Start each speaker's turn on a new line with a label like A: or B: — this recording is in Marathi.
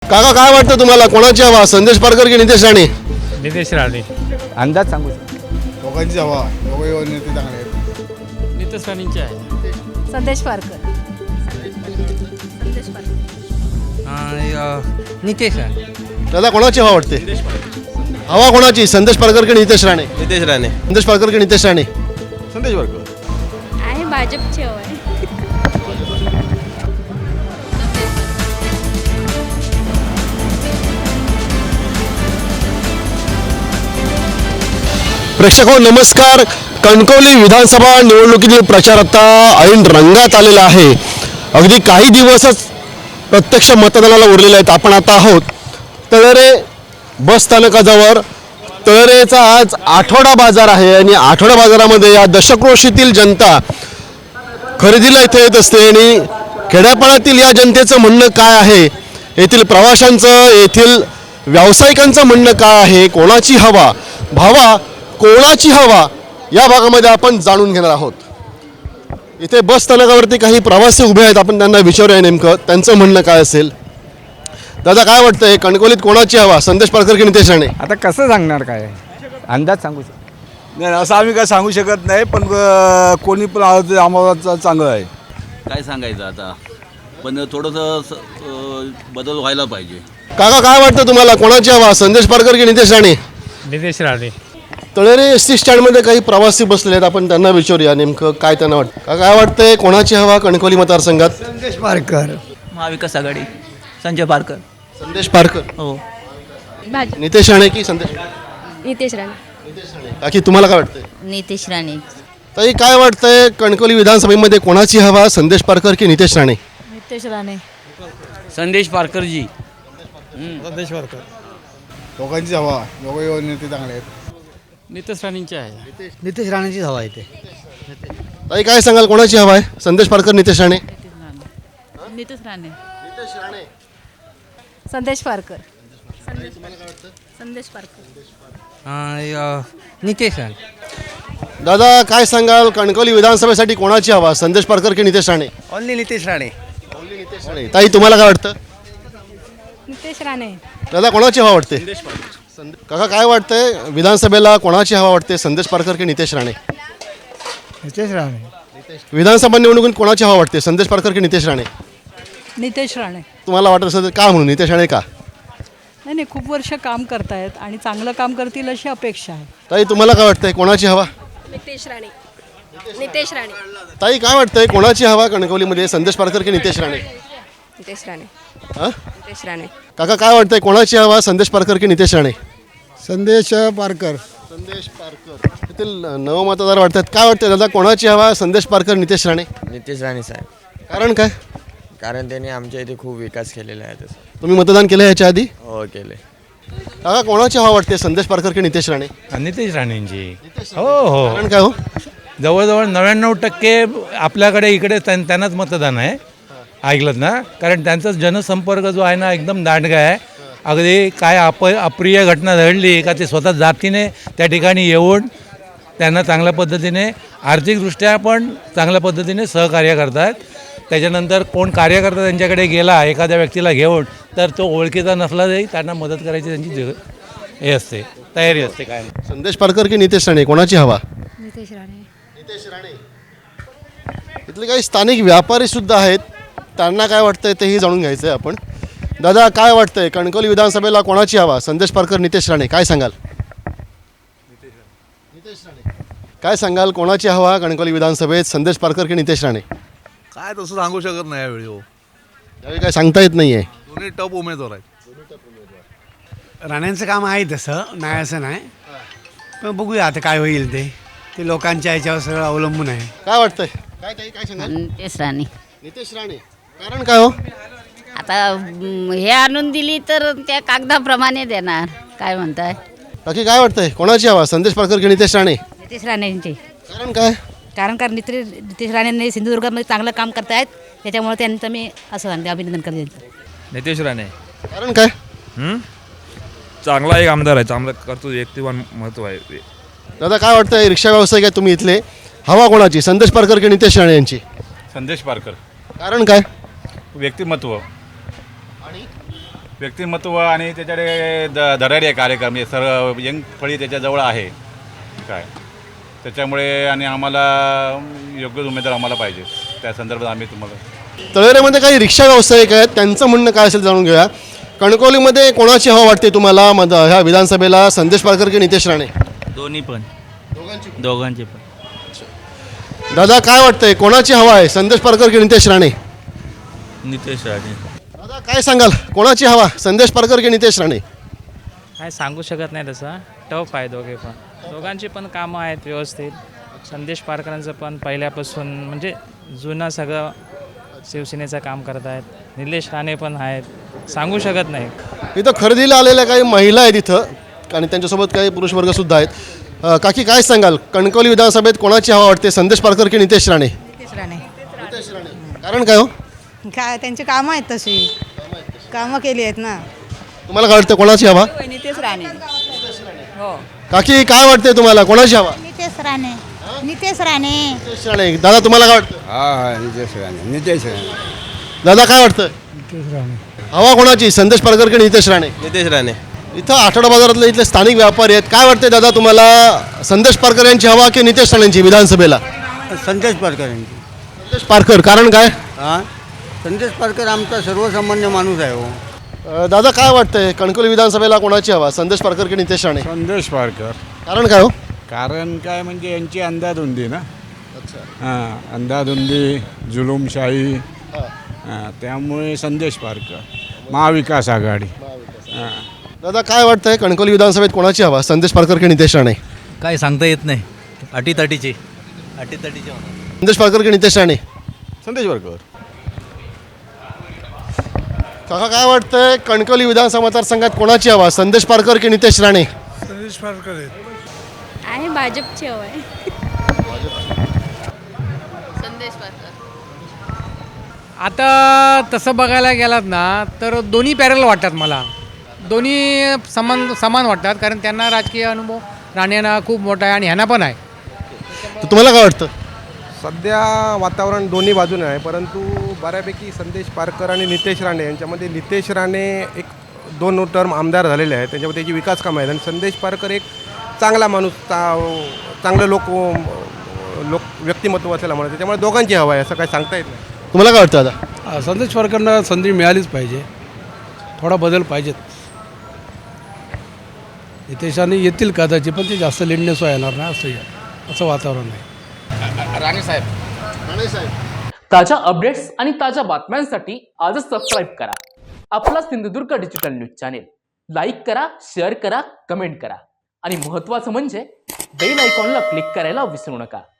A: काका काय वाटतं तुम्हाला, कोणाची हवा, संदेश पारकर की नितेश राणे?
B: नितेश राणे.
C: अंदाज सांगू शकतो.
D: दोघांची हवा, दोघे नेते चांगले आहेत.
B: नितेश राणेंची आहे.
E: संदेश पारकर.
B: नितेश राणे.
A: दादा कोणाची हवा वाटते? हवा कोणाची, संदेश पारकर की नितेश राणे?
F: नितेश राणे.
A: संदेश पारकर की नितेश राणे?
F: संदेश पारकर.
E: आहे भाजपची हवा आहे.
A: प्रेक्षको नमस्कार. कणकवली विधानसभा निवडणुकीतील प्रचार आता ऐन रंगात आलेला आहे. अगदी काही दिवसच प्रत्यक्ष मतदानाला उरलेले आहेत. आपण आता आहोत तळेरे बस स्थानकाजवळ. तळेरेचा आज आठवडा बाजार आहे आणि आठवडा बाजारामध्ये या दशक्रोशीतील जनता खरेदीला इथे येत असते. आणि खेड्यापाड्यातील या जनतेचं म्हणणं काय आहे, येथील प्रवाशांचं, येथील व्यावसायिकांचं म्हणणं काय आहे, कोणाची हवा, भावा कोणाची हवा, या भागामध्ये आपण जाणून घेणार आहोत. इथे बस स्थानकावरती काही प्रवासी उभे आहेत. आपण त्यांना विचारूया नेमकं त्यांचं म्हणणं काय असेल. दादा काय वाटतंय, कणकवलीत कोणाची हवा, संदेश पारकर की नितेश राणे?
C: आता कसं सांगणार, काय अंदाज सांगू शकतो.
D: नाही असं आम्ही काय सांगू शकत नाही, पण कोणी पण आलं तर आम्हाला चांगलं आहे.
F: काय सांगायचं आता, पण थोडंसं बदल व्हायला पाहिजे.
A: काका काय वाटतं तुम्हाला, कोणाची हवा, संदेश पारकर की नितेश राणे?
B: नितेश राणे.
A: तळेरे एस टी स्टँडमध्ये काही प्रवासी बसले आहेत. आपण त्यांना विचारूया नेमकं काय त्यांना वाटतं. काका काय वाटतंय, कोणाची हवा कणकवली मतदारसंघात?
C: संदेश पारकर.
G: महाविकास आघाडी. संजय पारकर.
A: संदेश पारकर.
G: हो.
A: नितेश राणे की संदेश?
E: नितेश राणे.
A: काकी तुम्हाला काय वाटतंय?
E: नितेश राणे.
A: ताई काय वाटतंय, कणकवली विधानसभेमध्ये कोणाची हवा, संदेश पारकर की नितेश राणे?
E: नितेश राणे.
G: संदेश पारकरजी.
D: संदेश पारकर. दोघांची हवा, दोघे नेते चांगले आहेत.
B: नितेश राणेंची आहे.
C: नितेश राणेचीच हवा येते.
A: ताई काय सांगाल, कोणाची हवा आहे, संदेश पारकर नितेश राणे?
E: नितेश राणे. संदेश पारकर. संदेश पारकर.
G: नितेश राणे.
A: दादा काय सांगाल, कणकवली विधानसभेसाठी कोणाची हवा, संदेश पारकर की नितेश राणे?
F: ओनली नितेश राणे.
A: ताई तुम्हाला काय वाटतं?
E: नितेश राणे.
A: दादा कोणाची हवा वाटते? काका काय वाटतंय, विधानसभेला कोणाची हवा वाटते, संदेश पारकर की नितेश राणे?
C: नितेश राणे.
A: विधानसभा निवडणुकीत कोणाची हवा वाटते, संदेश पारकर की नितेश राणे?
E: नितेश राणे.
A: तुम्हाला वाटत असेल तर का म्हणून नितेश राणे का?
E: नाही खूप वर्ष काम करतायत आणि चांगलं काम करतील अशी अपेक्षा आहे.
A: ताई तुम्हाला काय वाटतंय, कोणाची हवा?
E: नितेश राणे. नितेश राणे.
A: ताई काय वाटतंय, कोणाची हवा कणकवलीमध्ये, संदेश पारकर की नितेश राणे?
E: नितेश राणे.
A: हां
E: नितेश राणे.
A: काका काय वाटतंय, कोणाची हवा, संदेश पारकर की नितेश राणे?
C: संदेश पारकर.
A: संदेश पारकर. येथील नवमतदार वाटतात. काय वाटतं दादा, कोणाची हवा, संदेश पारकर नितेश राणे?
F: नितेश राणे साहेब.
A: कारण काय?
F: कारण त्यांनी आमच्या इथे खूप विकास केलेला आहे. तसं
A: तुम्ही मतदान केलं ह्याच्या आधी?
F: हो केले.
A: काका कोणाची हवा वाटते, संदेश पारकर की नितेश राणे?
B: नितेश राणेंची. हो हो.
A: कारण काय हो?
B: जवळजवळ 99% आपल्याकडे इकडे त्यांनाच मतदान आहे. ऐकलं ना, कारण त्यांचा जनसंपर्क जो आहे ना एकदम दांडगा आहे. अगदी काय अप्रिय घटना घडली का ते स्वतः जातीने त्या ठिकाणी येऊन त्यांना चांगल्या पद्धतीने आर्थिकदृष्ट्या पण चांगल्या पद्धतीने सहकार्य करतात. त्याच्यानंतर कोण कार्यकर्ता त्यांच्याकडे गेला एखाद्या व्यक्तीला घेऊन तर तो ओळखीचा नसला तरी त्यांना मदत करायची त्यांची हे असते, तयारी असते. काय
A: संदेश पारकर की नितेश राणे, कोणाची हवा?
E: नितेश राणे.
A: नितेश राणे. इथले काही स्थानिक व्यापारी सुद्धा आहेत, त्यांना काय वाटतंय तेही जाणून घ्यायचं आहे आपण. दादा काय वाटतंय, कणकवली विधानसभेला कोणाची हवा, संदेश पारकर नितेश राणे? काय सांगाल? नितेश राणे. काय सांगाल, कोणाची हवा कणकवली विधानसभेत, संदेश पारकर की नितेश राणे?
D: काय तसं सांगू शकत नाही यावेळी. हो,
A: यावेळी काय सांगता येत नाहीये.
D: दोन्ही टप उमेदवार आहेत.
H: राण्यांचं काम आहे तसं, नाही असं नाही, पण बघूया आता काय होईल ते लोकांच्या ह्याच्यावर सगळं अवलंबून आहे.
A: काय वाटतंय, काय काय सांगाल?
E: नितेश राणे.
A: नितेश राणे. कारण काय हो?
E: आता हे आणून दिली तर त्या कागदाप्रमाणे देणार. काय म्हणताय?
A: बाकी काय वाटतंय, कोणाची हवा, संदेश पारकर की नितेश राणे?
E: नितेश राणेंची.
A: कारण काय?
E: कारण नितेश राणेंनी सिंधुदुर्गामध्ये चांगलं काम करतायत, त्याच्यामुळे त्यांचं मी असं अभिनंदन करते.
I: नितेश राणे.
A: कारण काय?
I: चांगला एक आमदार आहे, चांगला करतो, व्यक्तिवान महत्व आहे.
A: दादा काय वाटतंय, रिक्षा व्यावसायिक आहे तुम्ही इथले, हवा कोणाची, संदेश पारकर की नितेश राणे यांची?
I: संदेश पारकर.
A: कारण काय?
I: व्यक्तिमत्व
J: व्यक्तिमत्व आणि त्याच्याकडे धडाडी कार्यक्रम हे सर्व यंग फळी त्याच्याजवळ आहे काय त्याच्यामुळे आणि आम्हाला योग्य उमेदवार आम्हाला पाहिजे त्या संदर्भात आम्ही तुम्हाला
A: तळेरेमध्ये काही रिक्षा व्यावसायिक आहेत, त्यांचं म्हणणं काय असेल जाणून घेऊया. कणकवलीमध्ये कोणाची हवा वाटते तुम्हाला ह्या विधानसभेला, संदेश पारकर की नितेश राणे?
G: दोन्ही पण दोघांचे पण.
A: दादा काय वाटतंय, कोणाची हवा आहे, संदेश पारकर की नितेश राणे?
G: नितेश राणे.
A: दादा काय सांगाल, कोणाची हवा, संदेश पारकर की नितेश राणे?
K: काय सांगू शकत नाही तसं, टफ आहे दोघे पण. दोघांची पण कामं आहेत व्यवस्थित. संदेश पारकरांचं पण पहिल्यापासून म्हणजे जुनं सगळं शिवसेनेचं काम करत आहेत. निलेश राणे पण आहेत, सांगू शकत नाही.
A: इथं खरेदीला आलेल्या काही महिला आहेत इथं आणि त्यांच्यासोबत काही पुरुष वर्गसुद्धा आहेत. काकी काय सांगाल, कणकवली विधानसभेत कोणाची हवा वाटते, संदेश पारकर की नितेश राणे?
E: नितेश राणे.
A: कारण काय हो?
E: काय त्यांची कामं आहेत तशी, कामं केली आहेत ना.
A: तुम्हाला काय वाटतं, कोणाची हवा?
E: नितेश राणे. हो.
A: काकी काय वाटते तुम्हाला, कोणाची हवा?
E: नितेश राणे. नितेश राणे.
A: नितेश राणे. दादा तुम्हाला काय वाटतं?
C: हा नितेश राणे, नितेश राणे.
A: दादा काय वाटतं, हवा कोणाची, संदेश पारकर की नितेश राणे?
D: नितेश राणे.
A: इथं आठवडा बाजारातले इथले स्थानिक व्यापारी आहेत, काय वाटते दादा तुम्हाला, संदेश पारकर यांची हवा की नितेश राणेंची विधानसभेला?
H: संदेश पारकर यांची.
A: संदेश पारकर, कारण काय?
H: हां, संदेश पारकर आमचा सर्वसामान्य माणूस आहे हो.
A: दादा काय वाटतंय, कणकवली विधानसभेला कोणाची हवा, संदेश पारकर की नितेश राणे?
D: संदेश पारकर.
A: कारण काय हो?
D: कारण काय म्हणजे यांची अंधाधुंदी ना. हां, अंधाधुंदी, जुलूमशाही, त्यामुळे संदेश पारकर, महाविकास आघाडी.
A: दादा काय वाटतंय, कणकवली विधानसभेत कोणाची हवा, संदेश पारकर की नितेश राणे?
G: काय सांगता येत नाही, अटीतटीचे
A: संदेश पारकर की नितेश राणे?
D: संदेश पारकर.
A: काका काय वाटतंय, कणकवली विधानसभा मतदारसंघात कोणाची हवा, संदेश पारकर की नितेश राणे?
D: संदेश पारकर
E: आहे भाजपची हवा आहे. संदेश पारकर.
K: आता तसं बघायला गेलात ना तर दोन्ही पॅरल वाटतात मला. दोन्ही समान वाटतात, कारण त्यांना राजकीय अनुभव राणेंना खूप मोठा आहे आणि ह्यांना पण आहे.
A: तर तुम्हाला काय वाटतं?
L: सध्या वातावरण दोन्ही बाजूने आहे, परंतु बऱ्यापैकी संदेश पारकर आणि नितेश राणे यांच्यामध्ये नितेश राणे एक 2 टर्म आमदार झालेले आहेत, त्याच्यामध्ये त्याची विकास कामं आहेत आणि संदेश पारकर एक चांगला माणूस, चांगलं लोक व्यक्तिमत्व असल्यामुळे त्याच्यामुळे दोघांची हवा आहे, असं काही सांगता येत नाही.
A: तुम्हाला काय वाटतं दादा?
D: संदेश पारकरना संधी मिळालीच पाहिजे, थोडा बदल पाहिजेत. नितेशाने येतील कदाचित, पण ते जास्त लेंडनेस येणार नाही असं वातावरण आहे.
A: राणे साहेब.
K: ताज्या अपडेट्स आणि ताज्या बातम्यांसाठी आजच सबस्क्राईब करा आपला Sindhudurg digital news channel. Like करा, शेअर करा, कमेंट करा आणि महत्त्वाचं म्हणजे बेल आयकॉनला क्लिक करायला विसरू नका.